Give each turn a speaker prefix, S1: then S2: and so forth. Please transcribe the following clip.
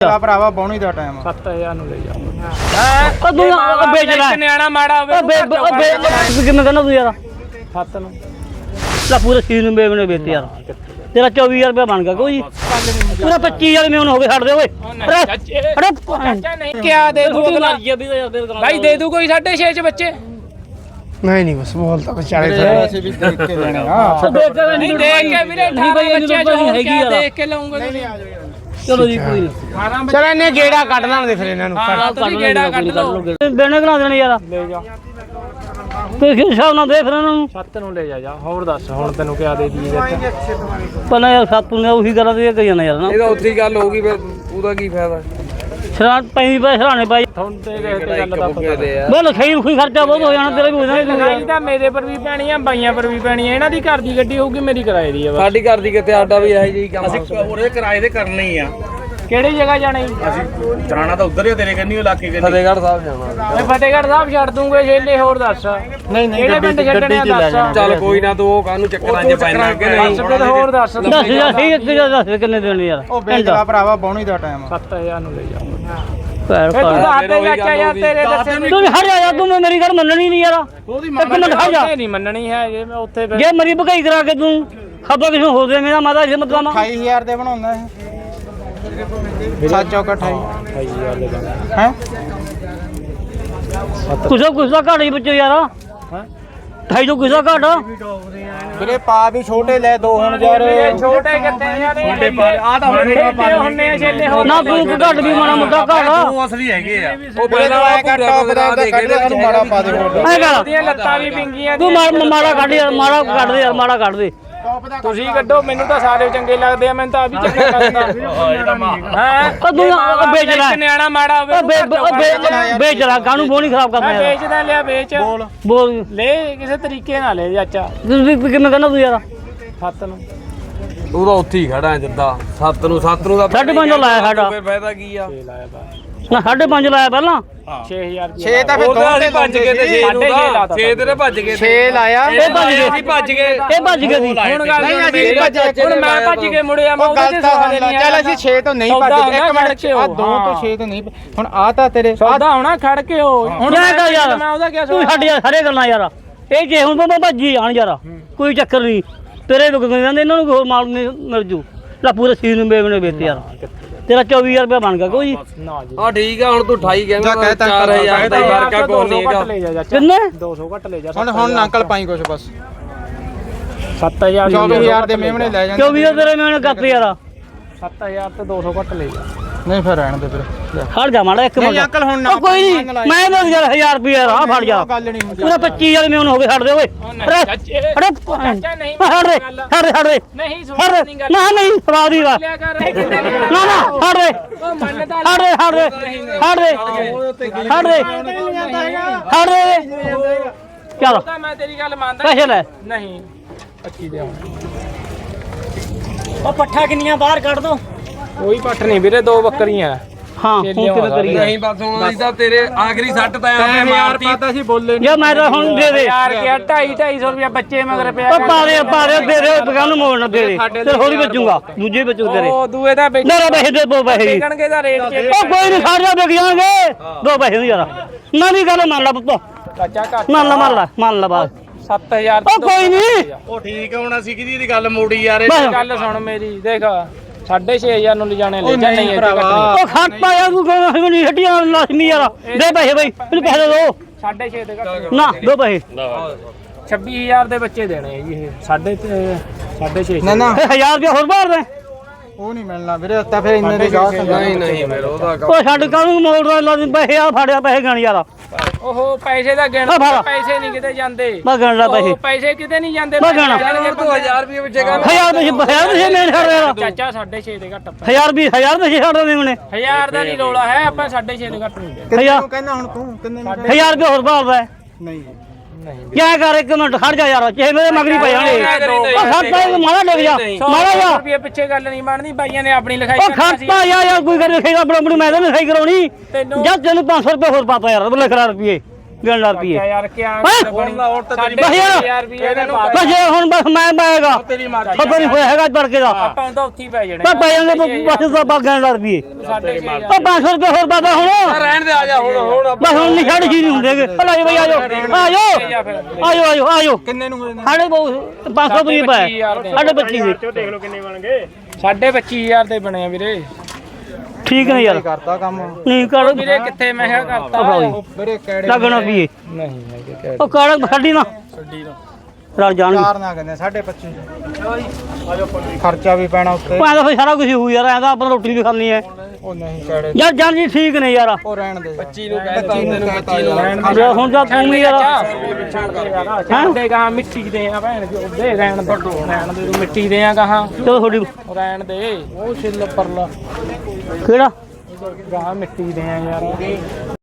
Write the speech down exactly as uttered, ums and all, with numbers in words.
S1: ਭਰਾਵਾ ਬੌਣੀ ਦਾ ਟਾਈਮ
S2: ਸੱਤ ਹਜ਼ਾਰ ਨੂੰ ਲੈ ਜਾ
S3: ਉਹ ਤੂੰ ਵੇਚ ਲੈ
S2: ਨਿਆਣਾ ਮਾੜਾ ਹੋਵੇ
S3: ਕਿਵੇਂ ਕਹਿੰਦਾ ਤੂੰ ਯਾਰ
S2: ਸੱਤ ਨੂੰ
S3: ਲੈ ਪੂਰੇ ਸੀਨ ਨੂੰ ਮੇਵਨੇ ਵੇਚ ਯਾਰ ਤੇਰਾ ਚੌਵੀ ਹਜ਼ਾਰ ਰੁਪਇਆ ਬਣ ਗਿਆ ਕੋਈ ਪੂਰਾ ਪੱਚੀ ਹਜ਼ਾਰ ਮੇਵਨ ਹੋ ਗਏ ਛੱਡ ਦੇ ਓਏ ਅਰੇ
S2: ਚਾਚਾ ਨਹੀਂ ਕਿਆ ਦੇ ਦੂ ਭਾਈ ਦੇ ਦੂ ਕੋਈ ਸਾਢੇ ਛੇ ਚ ਬੱਚੇ
S1: ਨਹੀਂ ਨਹੀਂ ਬਸ ਬੋਲ ਤਾਂ ਚਾਲੇ ਅਸੀਂ ਵੀ ਦੇਖ ਕੇ ਲੈਣੇ ਆ
S2: ਨਹੀਂ ਦੇਖ ਕੇ ਵੀਰੇ
S3: ਨਹੀਂ ਭਾਈ
S2: ਬੱਚੇ ਜੋ
S3: ਹੈਗੀ ਯਾਰ
S2: ਦੇਖ ਕੇ ਲਾਉਂਗਾ
S3: ਚਲੋ ਜੀ ਕੋਈ ਨਹੀਂ
S1: ਚਲ ਇਹਨੇ ਗੇੜਾ ਕੱਢ ਲਾਂਦੇ ਫਿਰ ਇਹਨਾਂ ਨੂੰ
S2: ਹਾਂ ਤੁਸੀਂ ਗੇੜਾ ਕੱਢ ਲਓ
S3: ਬੇਣੇ ਕਰਾ ਦੇਣੇ ਯਾਰ
S2: ਲੈ ਜਾ
S3: ਕੋਈ ਹਿਸਾਬ ਨਾਲ ਦੇ ਫਿਰ ਇਹਨਾਂ ਨੂੰ
S2: ਸੱਤ ਨੂੰ ਲੈ ਜਾ ਜਾ ਹੋਰ ਦੱਸ ਹੁਣ ਤੈਨੂੰ ਕਿਆ ਦੇ ਦੀ
S3: ਪਹਿਲਾਂ ਯਾਰ ਸੱਤ ਨੂੰ ਉਹੀ ਗੱਲਾਂ ਤੇ ਕਹੀ ਜਾਂਦਾ ਯਾਰ ਨਾ
S4: ਇਹਦਾ ਉੱਥੇ ਹੀ ਗੱਲ ਹੋਊਗੀ ਫਿਰ ਉਹਦਾ ਕੀ ਫਾਇਦਾ
S3: ਸਰਾਂ ਪੈਂਦੀ ਪੈ ਸਰਾਣੇ ਪਾਈ
S2: ਹੁਣ ਤੇ ਦੇਖ ਤੇ ਗੱਲ ਦਾ ਪਤਾ
S3: ਬੋਲ ਖਈ ਖੁਈ ਖਰਚਾ ਬਹੁਤ ਹੋ ਜਾਣਾ ਤੇਰਾ ਵੀ ਹੋ ਜਾਣਾ
S2: ਲਗਾਈ ਤਾਂ ਮੇਰੇ ਪਰ ਵੀ ਪੈਣੀ ਆ ਬਾਈਆਂ ਪਰ ਵੀ ਪੈਣੀ ਆ ਇਹਨਾਂ ਦੀ ਘਰ ਦੀ ਗੱਡੀ ਹੋਊਗੀ ਮੇਰੀ ਕਿਰਾਏ ਦੀ ਆ ਬਸ
S4: ਸਾਡੀ ਘਰ ਦੀ ਕਿਤੇ ਆਡਾ ਵੀ ਇਹੋ ਜਿਹੀ ਕੰਮ
S5: ਉਹਦੇ ਕਿਰਾਏ ਦੇ ਕਰਨੇ ਹੀ ਆ
S2: ਕਿਹੜੀ ਜਗ੍ਹਾ ਜਾਣੀ
S5: ਅਸੀਂ ਜਾਣਾ ਤਾਂ ਉਧਰ ਹੀ ਤੇਰੇ ਕੰਨੀ ਇਲਾਕੇ ਕੰਨੀ
S4: ਫਤਿਹਗੜ੍ਹ ਸਾਹਿਬ ਜਾਣਾ
S2: ਮੈਂ ਫਤਿਹਗੜ੍ਹ ਸਾਹਿਬ ਛੱਡ ਦੂੰਗੇ ਛੇਲੇ ਹੋਰ ਦੱਸ
S1: ਨਹੀਂ ਨਹੀਂ
S2: ਕਿਹੜੇ ਪਿੰਡ ਛੱਡਣੇ ਆ ਦੱਸ
S4: ਚੱਲ ਕੋਈ ਨਾ ਤੂੰ ਉਹ ਕਾਹਨੂੰ ਚੱਕਰਾਂ 'ਚ ਪੈਣਾ ਕਿ ਨਹੀਂ
S2: ਦੱਸ ਫਿਰ ਹੋਰ ਦੱਸ
S3: ਦੱਸ ਯਾਰ ਠੀਕ ਇੱਕ ਜਗ੍ਹਾ ਦੱਸ ਕਿੰਨੇ ਦੇਣੇ ਯਾਰ
S1: ਉਹ ਵੇਚ ਲਾ ਭਰਾਵਾ ਬੌਣੀ ਦਾ ਟਾਈਮ
S2: ਸੱਤ ਹਜ਼ਾਰ ਨੂੰ ਲੈ ਜਾ
S3: ਭੈਣ
S2: ਤੂੰ
S3: ਭਾਈ
S2: ਦੱਸ ਦੇ ਚਾਚਾ ਯਾਰ ਤੇਰੇ ਦੱਸੇ ਨਹੀਂ
S3: ਤੂੰ ਹਟ ਜਾ ਯਾਰ ਤੂੰ ਮੇਰੀ ਗੱਲ ਮੰਨਣੀ ਨਹੀਂ ਯਾਰ ਇੱਕ ਮਿੰਟ ਹਟ ਜਾ
S2: ਨਹੀਂ ਮੰਨਣੀ ਹੈ ਜੇ ਮੈਂ ਉੱਥੇ ਫਿਰ
S3: ਜੇ ਮਰੀ ਭਗਾਈ ਕਰਾ ਕੇ ਤੂੰ ਖਬਰ ਕਿਸੇ ਹੋ ਦੇ ਮੇਰਾ ਮਾਤਾ ਇਹ ਮਤਲਬ
S1: ਅਠਾਈ ਹਜ਼ਾਰ ਦੇ ਬਣਾਉਂਦਾ ਇਹ ਸੱਤ ਚੌਕ ਅਠਾਈ
S2: ਅਠਾਈ ਹਜ਼ਾਰ ਦੇ ਦਾਂਗੇ
S1: ਹੈ
S3: ਕੁਛ ਕੁਛ ਦਾ ਘਾਟ ਹੀ ਬੱਚੇ ਯਾਰ
S2: ਹਾਂ
S3: ਢਾਈ ਤੋਂ ਕੁਛ ਦਾ ਘਾਟ
S1: ਵੀਰੇ ਪਾ ਵੀ ਛੋਟੇ ਲੈ ਦੋ ਹੁਣ ਯਾਰ
S2: ਛੋਟੇ ਕਿੱਥੇ ਯਾਰ
S5: ਆ ਤਾਂ ਹੁਣ
S2: ਛੇਲੇ ਹੁੰਨੇ ਆ ਛੇਲੇ ਹੋਰ
S3: ਨਾ ਤੂੰ ਘਾਟ ਵੀ ਮਾੜਾ ਮੋਟਾ ਘਾਟ
S5: ਤੂੰ ਅਸਲੀ ਹੈਗੇ ਆ
S4: ਉਹ
S1: ਵੀਰੇ ਤੂੰ ਐ ਕਰ ਟੌਪ ਦਾ ਉਹਦਾ ਕੱਢ ਦੇ ਤੂੰ ਮਾੜਾ ਪਾ ਦੇ ਹੋਰ
S3: ਐ ਕਰ
S2: ਦੀਆਂ ਲੱਤਾਂ ਵੀ ਪਿੰਗੀਆਂ
S3: ਤੂੰ ਮਾੜਾ ਮਾੜਾ ਕੱਢ ਯਾਰ ਮਾੜਾ ਕੱਢ ਦੇ ਯਾਰ ਮਾੜਾ ਕੱਢ ਦੇ
S2: ਤੁਸੀਂ ਕੱਢੋ ਮੈਨੂੰ ਤਾਂ ਸਾਰੇ ਚੰਗੇ ਲੱਗਦੇ ਆ ਮੈਨੂੰ ਤਾਂ ਆ ਵੀ ਚੰਗਾ ਲੱਗਦਾ ਹਾਂ
S3: ਉਹ ਤੂੰ ਵੇਚ ਲੈ
S2: ਇੱਕ ਨਿਆਣਾ ਮਾੜਾ ਹੋਵੇ
S3: ਉਹ ਵੇਚ ਲੈ ਕਾਹਨੂੰ ਬੋਣੀ ਖਰਾਬ ਕਰਨਾ
S2: ਮੈਂ
S3: ਯਾਰ
S2: ਵੇਚਦਾ ਲਿਆ ਵੇਚ
S1: ਬੋਲ
S3: ਬੋਲ
S2: ਲੈ ਕਿਸੇ ਤਰੀਕੇ ਨਾਲ ਲੈ ਚਾਚਾ
S3: ਤੂੰ ਵੀ ਕਿਵੇਂ ਕਹਿੰਦਾ ਤੂੰ ਯਾਰ
S2: ਸੱਤ ਨੂੰ
S4: ਤੂੰ ਤਾਂ ਉੱਥੇ ਹੀ ਖੜਾ ਜਿੱਦਾਂ ਸੱਤ ਨੂੰ ਸੱਤ ਨੂੰ ਦਾ
S3: ਸਾਢੇ ਪੰਜ ਲਾਇਆ ਸਾਡਾ
S4: ਫਿਰ ਫਾਇਦਾ ਕੀ ਆ
S2: ਛੇ ਲਾਇਆ ਬਾ
S3: ਨਾ ਸਾਢੇ ਪੰਜ ਲਾਇਆ ਪਹਿਲਾਂ
S2: ਛੇ ਹਜ਼ਾਰ
S1: ਛੇ ਤਾਂ ਫਿਰ
S4: ਉਹ
S1: ਦੋ
S4: ਤਾਂ
S1: ਤੇ
S4: ਅਸੀਂ ਭੱਜ ਗਏ ਤੇ ਛੇ ਨੂੰ ਦਾ ਛੇ ਤੇਰੇ ਭੱਜ ਗਏ
S1: ਛੇ ਲਾਇਆ
S3: ਇਹ ਭੱਜ ਗਏ
S4: ਅਸੀਂ ਭੱਜ ਗਏ
S3: ਇਹ ਭੱਜ ਗਏ ਸੀ
S2: ਹੁਣ ਗੱਲ
S1: ਨਹੀਂ ਅਸੀਂ ਭੱਜੇ
S2: ਹੁਣ ਮੈਂ ਭੱਜ ਕੇ ਮੁੜਿਆ ਮੈਂ
S1: ਉਹ
S2: ਉਹਦੇ
S1: ਗੱਲ
S2: ਤੇ
S1: ਤਾਂ
S2: ਸਵਾਲ
S1: ਸੁਣ ਲੈ ਚੱਲ ਅਸੀਂ ਛੇ ਤੋਂ ਨਹੀਂ ਭੱਜੇ ਇੱਕ ਮਿੰਟ ਆ ਦੋ ਤੋਂ ਛੇ ਤੋਂ ਨਹੀਂ ਹੁਣ ਆ ਤਾਂ ਤੇਰੇ
S2: ਸੌਦਾ ਹੋਣਾ ਖੜ ਕੇ ਹੋ ਹੁਣ
S3: ਯਾਰ ਕਰ ਯਾਰ
S2: ਮੈਂ ਉਹਦਾ ਕਿਆ
S3: ਤੂੰ ਛੱਡ ਯਾਰ ਸਾਰੇ ਗੱਲਾਂ ਯਾਰ ਇਹ ਜੇ ਹੁਣ ਤੋਂ ਭੱਜੀ ਆਣ ਯਾਰ ਕੋਈ ਚੱਕਰ ਨਹੀਂ ਤੇਰੇ ਰੁਕ ਗਏ ਜਾਂਦੇ ਇਹਨਾਂ ਨੂੰ ਹੋਰ ਮਾਲ ਮਿਲ ਜੂ ਲੈ ਪੂਰੇ ਸੀਨ ਨੂੰ ਬੇਵਨੇ ਵੇਚ ਯਾਰ ਤੇਰਾ ਚੌਵੀ ਹਜ਼ਾਰ ਰੁਪਇਆ ਬਣ ਗਿਆ ਕੋਈ
S2: ਨਾ ਜੀ
S4: ਹਾਂ ਠੀਕ ਆ ਹੁਣ ਤੂੰ ਅਠਾਈ ਕਹਿੰਦਾ
S1: ਕਹਿਤਾ
S4: ਚਾਰ ਹਜ਼ਾਰ ਦਾ ਹੀ ਫਰਕ ਆ ਕੋਈ ਨਹੀਂ ਹੈਗਾ
S3: ਕਿੰਨੇ
S2: ਦੋ ਸੌ ਘੱਟ ਲੈ ਜਾ
S1: ਹੁਣ ਹੁਣ ਅੰਕਲ ਪਾਈ ਕੁਛ ਬਸ
S2: ਸੱਤ ਹਜ਼ਾਰ
S1: ਚੌਵੀ ਹਜ਼ਾਰ ਦੇ ਮੇਮਣੇ ਲੈ ਜਾਂਦੇ
S3: ਚੌਵੀ ਹਜ਼ਾਰ ਤੇਰੇ ਮੈਂ ਕੱਪ ਯਾਰ
S2: ਸੱਤ ਹਜ਼ਾਰ ਤੇ ਦੋ ਸੌ ਘੱਟ ਲੈ ਜਾ
S1: ਨਹੀਂ ਫਿਰ ਰਹਿਣ ਦੇ ਫਿਰ
S3: ਖੜ ਜਾ ਮਾੜਾ ਇੱਕ ਮਿੰਟ
S1: ਨਹੀਂ ਅੰਕਲ ਹੁਣ ਨਾ
S3: ਉਹ ਕੋਈ ਨਹੀਂ ਮੈਂ ਤਾਂ ਯਾਰ ਹਜ਼ਾਰ ਰੁਪਇਆ ਆ ਫੜ ਜਾ
S1: ਗੱਲ ਨਹੀਂ ਹੁੰਦੀ
S3: ਪੂਰਾ ਪੱਚੀ ਹਜ਼ਾਰ ਮੈਨੂੰ ਹੋ ਗਏ ਛੱਡ ਦੇ ਓਏ ਅਰੇ ਅਰੇ
S2: ਚਾਚਾ ਨਹੀਂ
S3: ਛੱਡ ਦੇ ਛੱਡ ਦੇ ਛੱਡ ਦੇ
S2: ਨਹੀਂ
S3: ਛੱਡ
S2: ਸੁਣ
S3: ਦੇ ਨਾ ਨਹੀਂ ਸਵਾਦ ਹੀ ਵਾ
S2: ਲਿਆ ਕਰ
S3: ਨਾ ਨਾ ਛੱਡ ਦੇ
S2: ਉਹ ਮੰਨਦਾ
S3: ਛੱਡ ਦੇ ਛੱਡ ਦੇ ਛੱਡ ਦੇ ਛੱਡ ਦੇ ਛੱਡ ਦੇ ਚਲ
S2: ਤਾਂ ਮੈਂ ਤੇਰੀ ਗੱਲ ਮੰਨਦਾ
S3: ਪੈਸੇ ਲੈ
S2: ਨਹੀਂ ਪੱਚੀ ਦੇ
S3: ਉਹ ਪੱਠਾ ਕਿੰਨੀਆਂ ਬਾਹਰ ਕੱਢ ਦੋ
S2: ਕੋਈ ਪੱਠ ਨਹੀਂ ਵੀਰੇ ਦੋ ਬੱਕਰੀਆਂ
S3: ਹਾਂ ਹੁਣ ਕਿਵੇਂ ਕਰੀਏ
S4: ਨਹੀਂ ਬਸ ਹੁਣ ਅਸੀਂ ਤਾਂ ਤੇਰੇ ਆਖਰੀ ਸੱਟ ਤਾਂ ਆਪੇ ਮਾਰਤੀ
S1: ਪਤਾ ਸੀ ਬੋਲੇ
S3: ਜੇ ਮੈਂ ਤਾਂ ਹੁਣ ਦੇ ਦੇ
S2: ਯਾਰ ਕਿਆ ਢਾਈ ਢਾਈ ਸੌ ਰੁਪਇਆ ਬੱਚੇ ਮਗਰ ਪਿਆ
S3: ਉਹ ਪਾ ਦੇ ਪਾ ਦੇ ਦੇ ਦੇ ਦੁਕਾਨ ਨੂੰ ਮੋੜਨਾ ਦੇ ਦੇ ਤੇ ਹੌਲੀ ਵੇਚੂਗਾ ਦੂਜੇ ਵੇਚੂ ਤੇਰੇ
S2: ਉਹ ਦੂਏ ਦਾ ਵੇਚ
S3: ਮੇਰਾ ਪੈਸੇ ਦੇ ਦੋ ਪੈਸੇ
S2: ਵਿਕਣਗੇ ਦਾ ਰੇਟ ਚ
S3: ਉਹ ਕੋਈ ਨਹੀਂ ਸਾਰਿਆਂ ਵਿਕ ਜਾਣਗੇ ਦੋ ਪੈਸੇ ਨਹੀਂ ਯਾਰ ਨਾ ਦੀ ਗੱਲ ਮੰਨ ਲਾ ਪੁੱਤ
S2: ਚਾਚਾ ਘੱਟ
S3: ਮੰਨ ਲਾ ਮੰਨ ਲਾ ਮੰਨ ਲਾ ਬਾਤ
S2: ਸੱਤ ਹਜ਼ਾਰ
S3: ਉਹ ਕੋਈ ਨਹੀਂ
S5: ਉਹ ਠੀਕ ਹੁਣ ਅਸੀਂ ਕਿਹਦੀ ਦੀ ਗੱਲ ਮੋੜੀ ਯਾਰ
S3: ਬਸ
S2: ਗੱਲ ਸੁਣ ਮੇਰੀ ਦੇਖ ਸਾਢੇ ਛੇ ਹਜ਼ਾਰ ਨੂੰ ਲਿਜਾਣੇ ਲੈ ਜਾ ਨਹੀਂ ਇੱਥੇ ਕੱਟਣੀ
S3: ਉਹ ਖਾਤਾ ਯਾਰ ਤੂੰ ਕਹਿੰਦਾ ਨਹੀਂ ਹੱਡੀਆਂ ਲਾਜ਼ਮੀ ਯਾਰ ਦੇ ਪੈਸੇ ਬਈ ਮੈਨੂੰ ਪੈਸੇ ਦੋ
S2: ਸਾਢੇ ਛੇ ਦੇ ਘੱਟ
S3: ਨਾ ਦੋ ਪੈਸੇ
S2: ਛੱਬੀ ਹਜ਼ਾਰ ਦੇ ਬੱਚੇ ਦੇਣੇ ਆ ਜੀ ਇਹ ਸਾਢੇ ਤੇ ਸਾਢੇ ਛੇ
S1: ਨਾ ਨਾ
S3: ਇਹ ਹਜ਼ਾਰ ਰੁਪਇਆ ਹੋਰ ਬਾਹਰ ਦੇ
S1: ਉਹ ਨਹੀਂ ਮਿਲਣਾ ਵੀਰੇ ਤਾਂ ਫਿਰ ਇੰਨੇ ਦੇ ਗਾਹ
S4: ਨਹੀਂ ਨਹੀਂ ਫਿਰ ਉਹਦਾ
S3: ਉਹ ਛੱਡ ਕਾਹਨੂੰ ਮੋੜਦਾ ਲਾਜ਼ਮੀ ਪੈਸੇ ਆ ਫੜਿਆ ਪੈਸੇ ਗਣ ਯਾਰ
S2: ਉਹ ਪੈਸੇ ਦਾ ਗਿਣ
S3: ਆ ਫੜ।
S2: ਪੈਸੇ ਨਹੀਂ ਕਿਤੇ ਜਾਂਦੇ
S3: ਮੈਂ ਗਣ ਲਾ ਪੈਸੇ
S2: ਉਹ ਪੈਸੇ ਕਿਤੇ ਨਹੀਂ ਜਾਂਦੇ
S3: ਮੈਂ ਗਿਣਾ।
S2: ਜਾਣਗੇ
S4: ਤੂੰ ਹਜ਼ਾਰ ਰੁਪਏ ਵਿੱਚ ਕਰ
S3: ਹਜ਼ਾਰ ਪੈਸੇ ਹਜ਼ਾਰ ਪੈਸੇ ਮੈਂ ਛੱਡ ਯਾਰ
S2: ਚਾਚਾ ਸਾਢੇ ਛੇ ਦੇ ਘੱਟ
S3: ਹਜ਼ਾਰ ਵੀ ਹਜ਼ਾਰ ਪੈਸੇ ਛੱਡ ਦੇ ਮੈਨੇ
S2: ਹਜ਼ਾਰ ਦਾ ਨਹੀਂ ਰੋਲਾ ਹੈ ਆਪਾਂ ਸਾਢੇ ਛੇ ਦੇ ਘੱਟ ਨਹੀਂ ਦੇ
S1: ਕਿੰਨੇ ਨੂੰ ਕਹਿੰਦਾ ਹੁਣ ਤੂੰ ਕਿੰਨੇ ਨੂੰ
S3: ਹਜ਼ਾਰ ਰੁਪਇਆ ਹੋਰ ਬਾਹਰ ਦਾ
S1: ਨਹੀਂ
S2: ਨਹੀਂ
S3: ਕਿਆ ਕਰ ਇੱਕ ਮਿੰਟ ਖੜ ਜਾ ਯਾਰ ਚਾਹੇ ਮੇਰੇ ਮਗਰੀ ਪੈ ਜਾਣਗੇ ਉਹ ਖਾਤਾ ਮਾਰਾ ਡਿੱਗ ਜਾ ਮਾਰਾ ਜਾ
S2: ਰੁਪਏ ਪਿੱਛੇ ਗੱਲ ਨਹੀਂ ਬਣਨੀ ਬਾਈਆਂ ਨੇ ਆਪਣੀ ਲਿਖਾਈ
S3: ਉਹ ਖਾਤਾ ਯਾਰ ਯਾਰ ਕੋਈ ਕਰ ਲਿਖੇਗਾ ਆਪਣਾ ਆਪਣੀ ਮੈਂ ਤਾਂ ਲਿਖਾਈ ਕਰਾਉਣੀ
S2: ਤੈਨੂੰ
S3: ਜਾਂ ਤੈਨੂੰ ਪੰਜ ਸੌ ਰੁਪਏ ਹੋਰ ਪਾਤਾ ਯਾਰ ਲਿਖ ਰਾ ਰੁਪਏ ਗਿਣ ਰੁਪਏ
S2: ਯਾਰ ਕੀ
S3: ਹੈਂ?
S2: ਬਣੀ ਸਾਡੇ
S3: ਬਸ ਯਾਰ।
S2: ਯਾਰ ਵੀ ਇਹਦੇ ਪਾ
S3: ਬਸ ਜੇ ਹੁਣ ਬਸ ਮੈਂ ਪਾਏਗਾ
S5: ਤੇਰੀ ਮਰਜ਼ੀ
S3: ਖਬਰ ਨਹੀਂ ਹੋਇਆ ਹੈਗਾ ਤੜਕੇ ਦਾ
S2: ਆਪਾਂ ਤਾਂ ਉੱਥੇ ਹੀ ਪੈ ਜਾਣੇ
S3: ਤਾਂ ਪੈ ਜਾਂਦੇ ਬਸ ਤਾਂ ਬਾਗਾਂ ਦਾ ਰੁਪਏ
S2: ਸਾਡੇ
S3: ਤਾਂ ਪੰਜ ਸੌ ਰੁਪਏ ਹੋਰ ਬਾਬਾ ਹੁਣ
S4: ਰਹਿਣ ਦੇ ਆ ਜਾ ਹੁਣ ਹੁਣ
S3: ਬਸ ਹੁਣ ਨਹੀਂ ਛੱਡ ਹੀ ਨਹੀਂ ਹੁੰਦੇਗੇ ਭਲਾ ਜੀ ਬਈ ਆਜੋ ਆਜੋ ਆਜੋ ਆਜੋ ਆਜੋ
S1: ਕਿੰਨੇ ਨੂੰ ਹੋਏ ਨੇ
S3: ਸਾਡੇ ਬਹੁਤ ਪੰਜ ਸੌ ਰੁਪਏ ਪਾਇਆ ਸਾਡੇ ਬੱਚੀ ਦੇ
S2: ਸਾਡੇ ਪੱਚੀ ਹਜ਼ਾਰ ਦੇ ਬਣੇ ਆ ਵੀਰੇ
S3: ਠੀਕ ਨੇ ਯਾਰ
S1: ਕਰਤਾ ਕੰਮ
S3: ਨਹੀਂ ਕਰ
S2: ਵੀਰੇ ਕਿੱਥੇ ਮੈਂ ਕਿਹਾ ਕਰਤਾ
S1: ਵੀਰੇ ਕਿਹੜੇ
S3: ਲੱਗਣਾ ਪੀਏ
S2: ਨਹੀਂ ਹੈਗੇ ਕਹਿ
S3: ਉਹ ਕਾੜ ਸਾਡੀ ਨਾ
S2: ਛੱਡੀ ਨਾ
S3: ਰਲ ਜਾਣਗੇ
S1: ਚਾਰ ਨਾ ਕਹਿੰਦੇ ਸਾਢੇ ਪੱਚੀ ਖਰਚਾ ਵੀ ਪੈਣਾ ਉੱਤੇ
S3: ਭਾਂ ਫਿਰ ਸਾਰਾ ਕੁਝ ਹੋ ਯਾਰ ਐਂ ਤਾਂ ਆਪਾਂ ਰੋਟੀ ਵੀ ਖਾਣੀ ਹੈ
S1: ਉਹ ਨਹੀਂ ਕਿਹੜੇ
S3: ਯਾਰ ਜਾਨ ਜੀ ਠੀਕ ਨੇ ਯਾਰ
S1: ਉਹ ਰਹਿਣ ਦੇ
S4: ਪੱਚੀ ਨੂੰ ਕਹਿ ਤਾ ਤੈਨੂੰ ਪੱਚੀ ਨੂੰ
S3: ਜੇ ਹੁਣ ਤਾਂ ਤੂੰ ਵੀ ਯਾਰ
S2: ਸਾਡੇ ਕਹਾ ਮਿੱਟੀ ਦੇ ਆ ਭੈਣ ਜੀ ਉਹਦੇ ਰਹਿਣ ਦੇ ਰਹਿਣ ਦੇ ਤੂੰ ਮਿੱਟੀ ਦੇ ਆ ਕਹਾ
S3: ਚਲੋ ਥੋੜੀ
S2: ਰਹਿਣ ਦੇ ਉਹ ਛਿੱਲ ਪਰਲਾ
S3: ਕਿਹੜਾ
S2: ਗਾਹ ਮਿੱਟੀ ਦੇ ਆ ਯਾਰ